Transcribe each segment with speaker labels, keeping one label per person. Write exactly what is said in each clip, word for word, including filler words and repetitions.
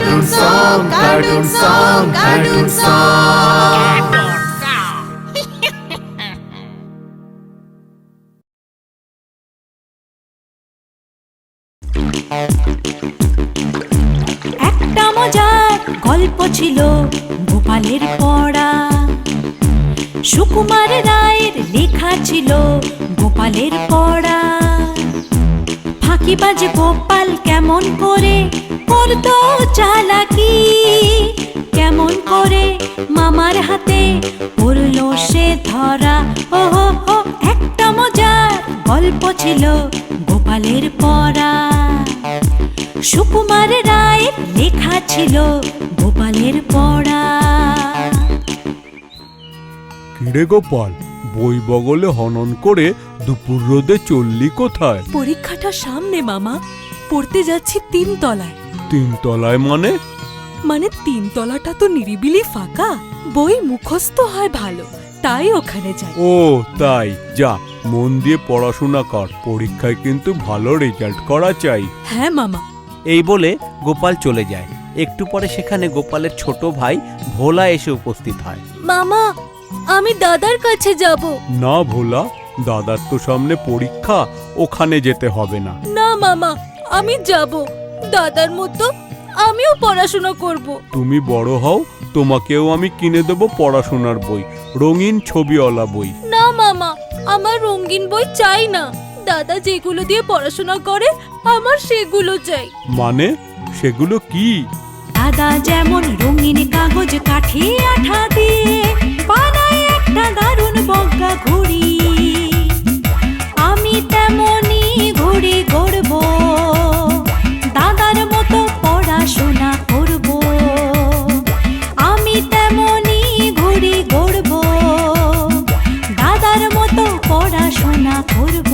Speaker 1: Cartoon song, cartoon song, cartoon song.
Speaker 2: একটা মজার গল্প ছিল গোপালের পড়া। সুকুমার রায়ের লেখা ছিল গোপালের পড়া। ফাঁকিবাজ গোপাল কেমন করে করতো চালাকি, কেমন করে মামার হাতে পড়লো সে ধরা। ও হো, একটা মজার গল্প ছিল গোপালের পড়া। সুকুমার রায়ের লেখা ছিল গোপালের পড়া।
Speaker 3: কিরে গোপাল, বই বগলে হনন করে দুপুর রোদে চললি কোথায়?
Speaker 4: পরীক্ষাটা সামনে মামা, পড়তে যাচ্ছি তিন তলায়।
Speaker 3: তিন তলায় মানে?
Speaker 4: মানে তিন তলাটা তো নিরিবিলি ফাঁকা, বই মুখস্থ হয় ভালো, তাই ওখানে যাই।
Speaker 3: ও তাই, যা মন দিয়ে পড়াশোনা কর, পরীক্ষায় কিন্তু ভালো রেজাল্ট করা চাই।
Speaker 4: হ্যাঁ মামা।
Speaker 5: এই বলে গোপাল চলে যায়। একটু পরে সেখানে গোপালের ছোট ভাই ভোলা এসে উপস্থিত হয়।
Speaker 4: মামা, আমি দাদার কাছে যাব।
Speaker 3: না ভোলা, দাদার তো সামনে পরীক্ষা, ওখানে যেতে হবে না।
Speaker 4: না মামা, আমি যাব, দাদার মতো আমিও পড়াশোনা করব।
Speaker 3: তুমি বড় হও, তোমাকেও আমি কিনে দেব পড়াশোনার বই, রঙিন ছবিওয়ালা বই।
Speaker 4: না মামা, আমার রঙিন বই চাই না, দাদা যেগুলো দিয়ে পড়াশোনা করে আমার সেগুলো চাই।
Speaker 3: মানে সেগুলো কি?
Speaker 2: দাদা যেমন রঙিন কাগজ কাঠে আঠা দিয়ে বানায় একটা দারুণ বজ্ঞা ঘড়ি, আমি তেমনি ঘড়ি গড়ব, দাদার মতো পড়াশোনা করব। আমি তেমনি ঘড়ি গড়ব, দাদার মতো পড়াশোনা করব।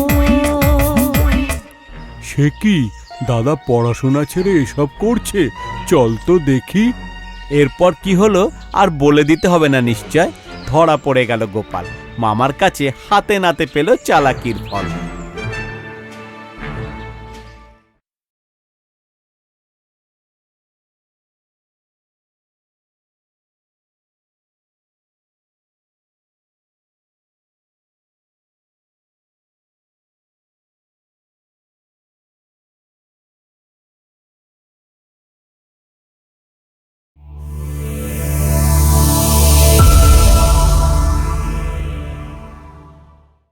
Speaker 3: সে কি, দাদা পড়াশোনা ছেড়ে এসব করছে? চল তো দেখি।
Speaker 5: এরপর কি হলো আর বলে দিতে হবে না নিশ্চয়। ধরা পড়ে গেল গোপাল, মামার কাছে হাতে নাতে পেল চালাকির ফল।